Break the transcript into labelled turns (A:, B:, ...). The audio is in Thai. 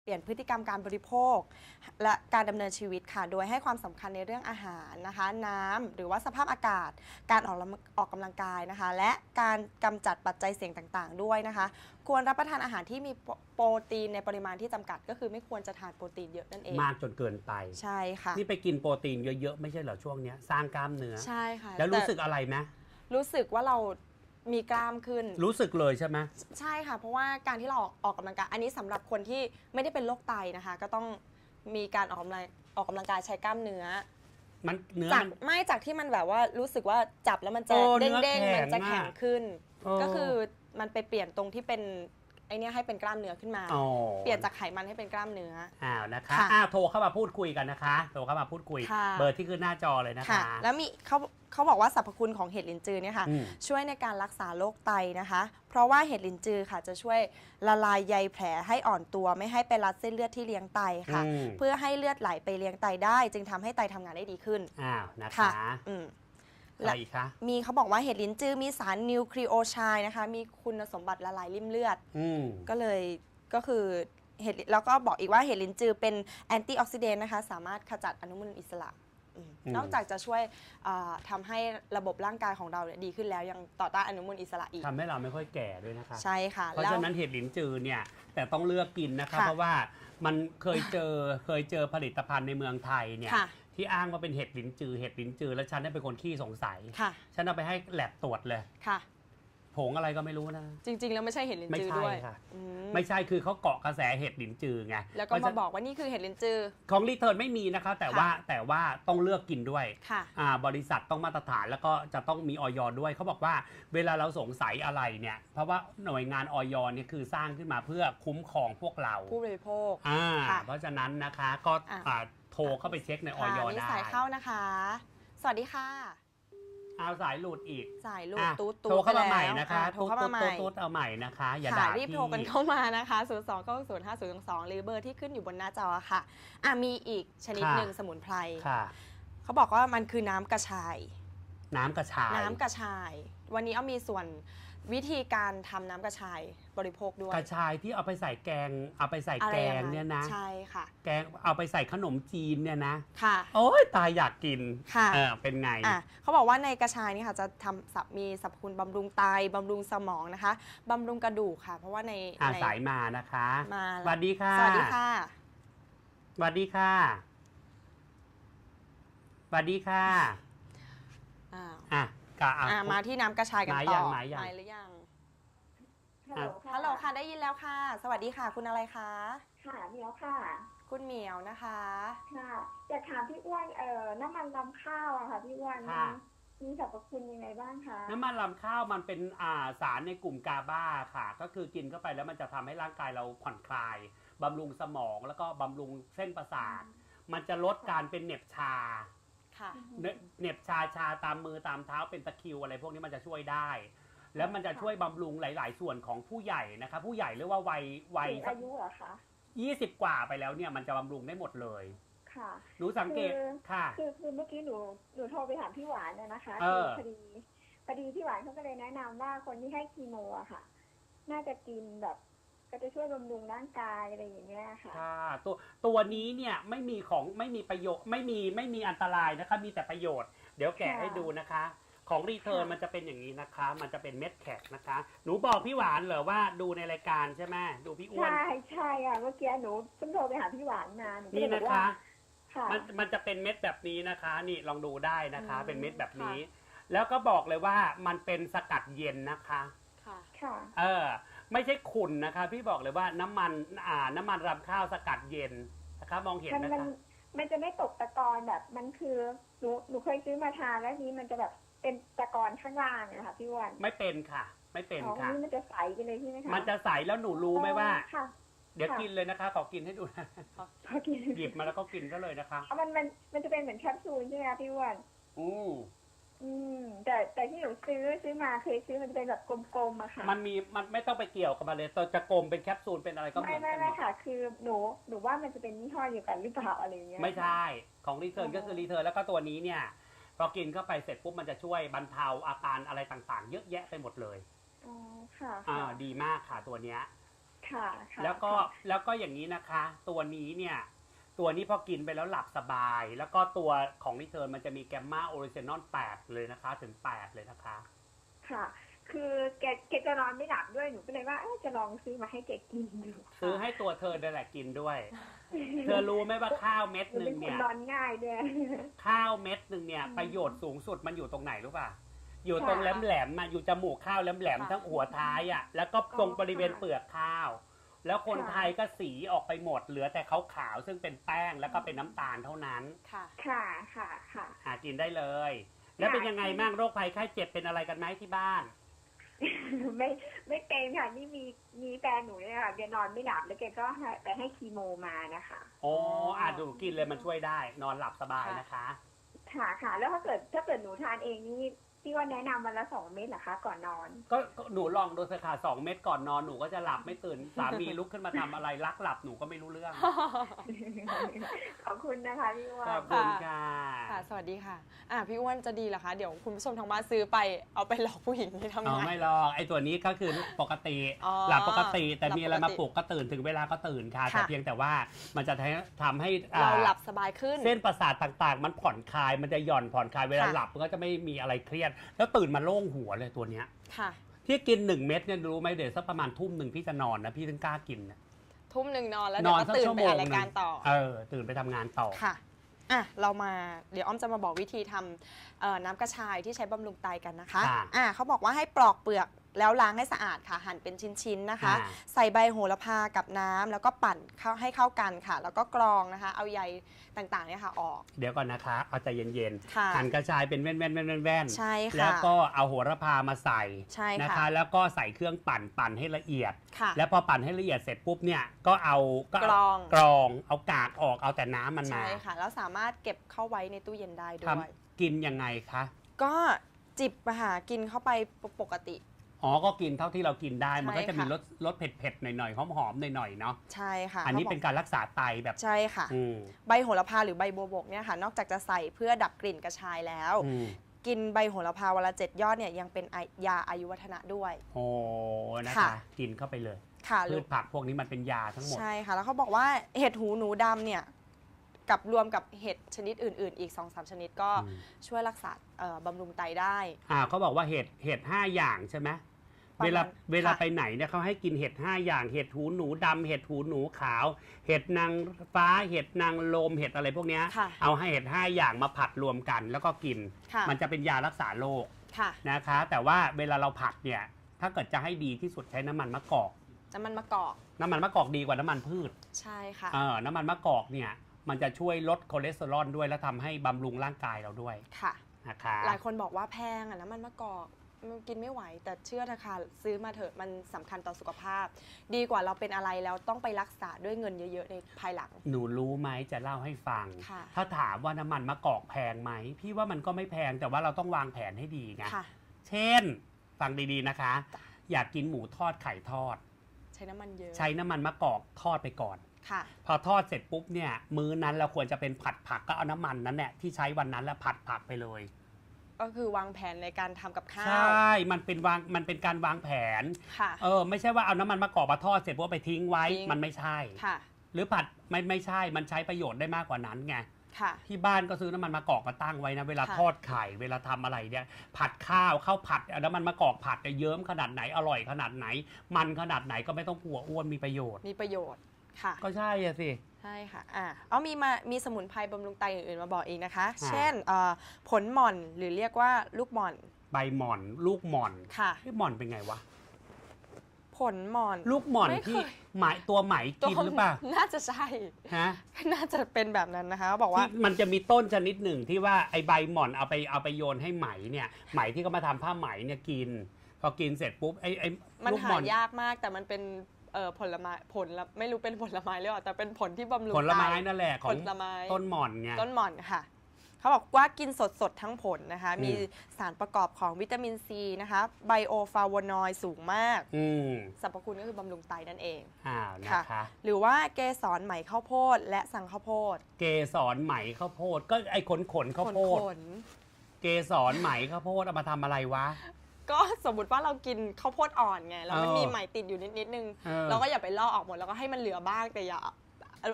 A: ลี่ยนพฤติกรรมการบริโภคและการดำเนินชีวิตค่ะโดยให้ความสำคัญในเรื่องอาหารนะคะน้ำหรือว่าสภาพอากาศการออกกำลังกายนะคะและการกำจัดปัจจัยเสี่ยงต่างๆด้วยนะคะควรรับประทานอาหารที่มีโปรตีนในปริมาณที่จำกัดก็คือไม่ควรจะทานโปรตีนเยอะนั่นเอง
B: มากจนเกินไป
A: ใช่ค่ะ
B: นี่ไปกินโปรตีนเยอะๆไม่ใช่เหรอช่วงนี้สร้างกล้ามเนื้อ
A: ใช่ค่ะ
B: แล้วรู้สึกอะไรไหม
A: รู้สึกว่าเรามีกล้ามขึ้น
B: รู้สึกเลยใช่ไหม
A: ใช่ค่ะเพราะว่าการที่เราออกกำลังกายอันนี้สำหรับคนที่ไม่ได้เป็นโรคไตนะคะก็ต้องมีการออกกำลังกายใช้กล้ามเนื้อ
B: มันเนื้อ
A: จากที่มันแบบว่ารู้สึกว่าจับแล้วมันจะเด้งๆมันจะแข็งขึ้นก็คือมันไปเปลี่ยนตรงที่เป็นไอเนี้ยให้เป็นกล้ามเนื้อขึ้นมาเปลี่ยนจากไขมันให้เป็นกล้ามเนื้อ
B: นะคะโทรเข้ามาพูดคุยกันนะคะโทรเข้ามาพูดคุยเบอร์ที่ขึ้นหน้าจอเลยนะคะ
A: แล้วมีเขาบอกว่าสรรพคุณของเห็ดลินจือเนี่ยค่ะช่วยในการรักษาโรคไตนะคะเพราะว่าเห็ดลินจือค่ะจะช่วยละลายใยแผลให้อ่อนตัวไม่ให้ไปรัดเส้นเลือดที่เลี้ยงไตค่ะเพื่อให้เลือดไหลไปเลี้ยงไตได้จึงทำให้ไตทำงานได้ดีขึ้น
B: นะคะ
A: และมีเขาบอกว่าเห็ดลิ้นจือมีสารนิวคลีโอไชด์นะคะมีคุณสมบัติละลายริ่มเลือดก็คือเห็ดแล้วก็บอกอีกว่าเห็ดลิ้นจือเป็นแอนตี้ออกซิเดนต์นะคะสามารถขจัดอนุมูลอิสระนอกจากจะช่วยทำให้ระบบร่างกายของเราดีขึ้นแล้วยังต่อต้านอนุมูลอิสระอีก
B: ทำให้เราไม่ค่อยแก่ด้วยนะคะ
A: ใช่ค่ะ
B: เพราะฉะนั้นเห็ดลิ้นจือเนี่ยแต่ต้องเลือกกินนะคะเพราะว่ามันเคยเจอผลิตภัณฑ์ในเมืองไทยเนี่ยที่อ้างว่าเป็นเห็ดลิ้นจือแล้วฉันเป็นคนขี้สงสัยฉันเอาไปให้แลบตรวจเลยผงอะไรก็ไม่รู้นะ
A: จริงๆแล้วไม่ใช่เห็ดลิ้นจือด้วย
B: ไม่ใช่คือเขาเกาะกระแสเห็ดลิ้นจือไง
A: แล้วก็มาบอกว่านี่คือเห็ดลิ้นจือ
B: ของรีเทิร์นไม่มีนะคะแต่ว่าต้องเลือกกินด้วยบริษัทต้องมาตรฐานแล้วก็จะต้องมีออยด้วยเขาบอกว่าเวลาเราสงสัยอะไรเนี่ยเพราะว่าหน่วยงานออยเนี่ยคือสร้างขึ้นมาเพื่อคุ้มครองพวกเรา
A: ผู้บริโภค
B: เพราะฉะนั้นนะคะก็โทรเข้าไปเช็คในออยได้
A: สายเข้านะคะสวัสดีค่ะ
B: เอาสายหลุดอีก
A: สายหลุดตุ๊ด
B: โทรเข้ามาใหม่นะคะโทรเข้ามาใหม่ตุ๊ดเอาใหม่นะคะอย่าด่า
A: รีบโทรกันเข้ามานะคะ0290502หรือเบอร์ที่ขึ้นอยู่บนหน้าจอค่ะมีอีกชนิดหนึ่งสมุนไพรเขาบอกว่ามันคือน้ำกระชาย
B: น้ำกระช
A: ายวันนี้มีส่วนวิธีการทำน้ำกระชายบริโภคด้วย
B: กระชายที่เอาไปใส่แกงเนี่ยนะ
A: ใช่ค่ะ
B: แกงเอาไปใส่ขนมจีนเนี่ยนะ
A: ค่ะ
B: โอ้ยตายอยากกิน
A: ค่ะ
B: เป็นไง
A: เขาบอกว่าในกระชายนี่ค่ะจะมีสรรพคุณบำรุงไตบำรุงสมองนะคะบำรุงกระดูกค่ะเพราะว่าใน
B: สายมานะคะ
A: มา
B: สวัสดีค่ะ
A: สวัสดีค่ะ
B: สวัสดีค่ะสวัสดีค่ะ
A: มาที่น้ำกระชายกันต่อ
B: หมาย
A: หรือยังฮัลโหลค่ะได้ยินแล้วค่ะสวัสดีค่ะคุณอะไรคะ
C: ค่ะเหมียวค่ะ
A: คุณเหมียวนะคะ
C: ค่ะอยากถามพี่อ้วนน้ำมันรำข้าวอะค่ะพี่อ้วนมีสรรพคุณยังไงบ้างคะ
B: น้ำมันรำข้าวมันเป็นสารในกลุ่มกาบาค่ะก็คือกินเข้าไปแล้วมันจะทำให้ร่างกายเราผ่อนคลายบำรุงสมองแล้วก็บำรุงเส้นประสาทมันจะลดการเป็นเหน็บชาเหน็บชาตามมือตามเท้าเป็นตะคริวอะไรพวกนี้มันจะช่วยได้แล้วมันจะช่วยบำรุงหลายๆส่วนของผู้ใหญ่นะคะผู้ใหญ่หรือว่าวัย
C: อายุเหรอคะ
B: 20 กว่าไปแล้วเนี่ยมันจะบำรุงได้หมดเลย
C: ค่ะ
B: หนูสังเกตค่ะ
C: คือเมื่อกี้หนูโทรไปถามพี่หวานนะคะพอดีพี่หวานเขาก็เลยแนะนำว่าคนที่ให้คีโมอะค่ะน่าจะกินแบบก็จะช่วยบำรุงร่างกายอะไรอย่างเงี้ยค่ะ
B: ตัวนี้เนี่ยไม่มีประโยชน์ไม่มีอันตรายนะคะมีแต่ประโยชน์เดี๋ยวแกะให้ดูนะคะของรีเทิร์นมันจะเป็นอย่างนี้นะคะมันจะเป็นเม็ดแขกนะคะหนูบอกพี่หวานเหรอว่าดูในรายการใช่ไหมดูพี่อ้วน
C: ใช่ค่ะเมื่อกี้หนูเพิ่งโทรไปหาพี่หวานมา
B: นี่นะคะมันจะเป็นเม็ดแบบนี้นะคะนี่ลองดูได้นะคะเป็นเม็ดแบบนี้แล้วก็บอกเลยว่ามันเป็นสกัดเย็นนะคะไม่ใช่ขุ่นนะคะพี่บอกเลยว่าน้ำมันรำข้าวสกัดเย็นนะคะมองเห็นนะคะ
C: มันจะไม่ตกตะกอนแบบมันคือหนูเคยซื้อมาทานแล้วนี้มันจะแบบเป็นตะกอนข้างล่างนะคะพี่วัน
B: ไม่เป็นค่ะไม่เป็นค่ะ
C: มันจะใสไปเลยใช่ไหมคะ
B: มันจะใสแล้วหนูรู้ไหมว่าเดี๋ยวกินเลยนะคะขอกินให้ดูนะหยิบมาแล้วก็กินก็เลยนะคะ
C: มันจะเป็นเหมือนแคปซูลใช่ไหมคะพี่วันแต่ที่หนูซื้อมาเคยซื้อมันจะเป็นแบบกลมๆอะค่ะ
B: มันไม่ต้องไปเกี่ยวกับมันเลยจะกลมเป็นแคปซูลเป็นอะไรก็เหมือนกัน
C: ไม่ค่ะคือหนูว่ามันจะเป็นยี่ห้อเดียวกันหรือเปล่าอะไรเงี้ย
B: ไม่ใช่ของรีเทิร์นก็คือรีเทิร์นแล้วก็ตัวนี้เนี่ยพอกินเข้าไปเสร็จปุ๊บมันจะช่วยบรรเทาอาการอะไรต่างๆเยอะแยะไปหมดเลย
C: ค่ะ
B: ดีมากค่ะตัวเนี้ย
C: ค่ะค่ะ
B: แล้วก็อย่างนี้นะคะ ตัวนี้เนี่ยตัวนี้พอกินไปแล้วหลับสบาย แล้วก็ตัวของนิเทิร์นมันจะมีแกมมาโอริจินอล8เลยนะคะถึง8เลยนะคะ
C: ค่ะคือแกจะนอนไม่หลับด้วยหนูก็เลยว่าจะลองซื้อมาให้แกกินดู
B: ซื้อให้ตัวเธอนั่นแหละกินด้วย เธอรู้ไหมว่าข้าวเม็ดหนึ่งเนี่ย
C: นอนง่ายด้วย
B: ข้าวเม็ดหนึ่งเนี่ยประโยชน์สูงสุดมันอยู่ตรงไหนรู้ป่ะอยู่ตรงแหลมๆมาอยู่จมูกข้าวแหลมๆทั้งหัวท้ายอ่ะแล้วก็ตรงบริเวณเปลือกข้าวแล้วคนไทยก็สีออกไปหมดเหลือแต่ขาวๆซึ่งเป็นแป้งแล้วก็เป็นน้ำตาลเท่านั้น
A: ค่ะ
B: ค่ะกินได้เลยแล้วเป็นยังไงบ้างโรคภัยไข้เจ็บเป็นอะไรกันไหมที่บ้าน
C: ไม่เป็นค่ะนี่มีแฟนหนูเนี่ยค่ะแกนอนไม่หลับแล้วแกก็ไปให้คีโมมานะคะ
B: อ๋อดูกินเลยมันช่วยได้นอนหลับสบายนะคะ
C: ค่ะแล้วถ้าเกิดหนูทานเองนี่พี่ว่าแนะนำวันละ2 เม็ดเหรอคะก่อนนอน
B: ก็หนูลองดูสิค่ะ2 เม็ดก่อนนอนหนูก็จะหลับไม่ตื่นสามีลุกขึ้นมาทำอะไรลักหลับหนูก็ไม่รู้เรื่อง
C: ขอบคุณนะคะพี่อ้วน
B: ขอบคุณค่ะ
A: สวัสดีค่ะพี่อ้วนจะดีเหรอคะเดี๋ยวคุณผู้ชมทางบ้านซื้อไปเอาไปหลอกผู้หญิงที่ทำงาน
B: ไม่หรอกไอ้ตัวนี้ก็คือปกติหลับปกติแต่มีอะไรมาปลุกก็ตื่นถึงเวลาก็ตื่นค่ะแต่เพียงแต่ว่ามันจะทำให้
A: เราหลับสบายขึ้น
B: เส้นประสาทต่างๆมันผ่อนคลายมันจะหย่อนผ่อนคลายเวลาหลับมันก็จะไม่มีอะไรเครียดแล้วตื่นมาโล่งหัวเลยตัวเนี้ยที่กิน1 เม็ดเนี่ยรู้ไหมเดี๋ยวสักประมาณทุ่มหนึ่งพี่จะนอนนะพี่ถึงกล้ากิน
A: ทุ่มหนึ่งนอนแล้วเดี๋ยวก็ตื่นไปอ่านรายการต่อ
B: ตื่นไปทำงานต่อ
A: ค่ะเรามาเดี๋ยวอ้อมจะมาบอกวิธีทำน้ำกระชายที่ใช้บำรุงไตกันนะคะเขาบอกว่าให้ปลอกเปลือกแล้วล้างให้สะอาดค่ะหั่นเป็นชิ้นๆนะคะใส่ใบโหระพากับน้ำแล้วก็ปั่นให้เข้ากันค่ะแล้วก็กรองนะคะเอาใยต่างๆเนี่ยค่ะออก
B: เดี๋ยวก่อนนะคะเอาใจเย็นๆหั่นกระชายเป็นแว่น
A: ๆใช่ค่ะ
B: แล้วก็เอาโหระพามาใส่นะคะแล้วก็ใส่เครื่องปั่นให้ละเอียดแล้วพอปั่นให้ละเอียดเสร็จปุ๊บเนี่ยก็เอา
A: กร
B: องเอากากออกเอาแต่น้ำมันมา
A: ใช่ค่ะแล้วสามารถเก็บเข้าไว้ในตู้เย็นได้ด้วย
B: กินยังไงคะ
A: ก็จิบกินเข้าไปปกติ
B: ก็กินเท่าที่เรากินได้มันก็จะมีรสเผ็ดๆหน่อยๆหอมๆหน่อยๆเนาะ
A: ใช่ค่ะ
B: อันนี้เป็นการรักษาไตแบบ
A: ใช่ค่ะใบโหระพาหรือใบบัวบกเนี่ยค่ะนอกจากจะใส่เพื่อดับกลิ่นกระชายแล้วกินใบโหระพาวันละ7 ยอดเนี่ยยังเป็นยาอายุวัฒนะด้วย
B: นะคะกินเข้าไปเลยพืชผักพวกนี้มันเป็นยาทั้งหมด
A: ใช่ค่ะแล้วเขาบอกว่าเห็ดหูหนูดำเนี่ยกับรวมกับเห็ดชนิดอื่นๆอีก 2-3 ชนิดก็ช่วยรักษาบำรุงไตได้
B: เขาบอกว่าเห็ด5 อย่างใช่ไหมเวลาไปไหนเนี่ยเขาให้กินเห็ด5 อย่างเห็ดหูหนูดำเห็ดหูหนูขาวเห็ดนางฟ้าเห็ดนางลมเห็ดอะไรพวกนี้เอาให้เห็ด5 อย่างมาผัดรวมกันแล้วก็กินมันจะเป็นยารักษาโรคนะคะแต่ว่าเวลาเราผัดเนี่ยถ้าเกิดจะให้ดีที่สุดใช้น้ำมันมะกอก
A: น้ำมันมะก
B: อกดีกว่าน้ำมันพืช
A: ใช่ค่ะ
B: น้ำมันมะกอกเนี่ยมันจะช่วยลดคอเลสเตอรอลด้วยและทำให้บำรุงร่างกายเราด้วย
A: ค่ะ
B: นะคะ
A: หลายคนบอกว่าแพงน้ำมันมะกอกกินไม่ไหวแต่เชื่อนะคะซื้อมาเถอะมันสำคัญต่อสุขภาพดีกว่าเราเป็นอะไรแล้วต้องไปรักษาด้วยเงินเยอะๆในภายหลัง
B: หนูรู้ไหมจะเล่าให้ฟังถ้าถามว่าน้ำมันมะกอกแพงไหมพี่ว่ามันก็ไม่แพงแต่ว่าเราต้องวางแผนให้ดีไงเช่นฟังดีๆนะคะอยากกินหมูทอดไข่ทอด
A: ใช้น้ำมันเยอะ
B: ใช้น้ำมันมะกอกทอดไปก่อนพอทอดเสร็จปุ๊บเนี่ยมื้อนั้นเราควรจะเป็นผัดผักก็เอาน้ำมันนั้นแหละที่ใช้วันนั้นแล้วผัดผักไปเลย
A: ก็คือวางแผนในการทำกับข้าว
B: ใช่มันเป็นการวางแผนไม่ใช่ว่าเอาน้ำมันมะกอกมาทอดเสร็จปุ๊บไปทิ้งไว้มันไม่ใช่หรือผัดไม่ใช่มันใช้ประโยชน์ได้มากกว่านั้นไงที่บ้านก็ซื้อน้ำมันมะกอกมาตั้งไว้นะเวลาทอดไข่เวลาทำอะไรเนี่ยผัดข้าวผัดน้ำมันมะกอกผัดจะเยิ้มขนาดไหนอร่อยขนาดไหนมันขนาดไหนก็ไม่ต้องกลัวอ้วนมีประโยชน์
A: ค่ะ
B: ก็ใช่สิ
A: ใช่ค่ะมีสมุนไพรบำรุงไตอื่นๆมาบอกอีกนะคะเช่นผลหม่อนหรือเรียกว่าลูกหม่อน
B: ใบหม่อนลูกหม่อน
A: ค่ะ
B: หม่อนเป็นไงวะ
A: ผลหม่อน
B: ลูกหม่อนที่ตัวไหมกินหรือเปล่า
A: น่าจะใช่น่าจะเป็นแบบนั้นนะคะบอกว่า
B: มันจะมีต้นชนิดหนึ่งที่ว่าไอใบหม่อนเอาไปโยนให้ไหมเนี่ยไหมที่เขามาทำผ้าไหมเนี่ยกินพอกินเสร็จปุ๊บไอ
A: มันหายากมากแต่มันเป็นผลไม้ไม่รู้เป็นผลไม้หรือเปล่าแต่เป็นผลที่บำรุง
B: ผลไม้นั่นแหละของต้นหม่อนไง
A: ต้นหม่อนค่ะเขาบอกว่ากินสดทั้งผลนะคะมีสารประกอบของวิตามินซีนะคะไบโอฟลาโวนอยด์สูงมากสรรพคุณก็คือบำรุงไตนั่นเอง
B: นะคะ
A: หรือว่าเกสรไหมข้าวโพดและสังข้าวโพด
B: เกสรไหมข้าวโพดก็ไอ้ขนข้าวโพดเกสรไหมข้าวโพดเอามาทำอะไรวะ
A: ก็สมมติว่าเรากินข้าวโพดอ่อนไงแล้วมันมีไหมติดอยู่นิดนึงเราก็อย่าไปลอกออกหมดแล้วก็ให้มันเหลือบ้างแต่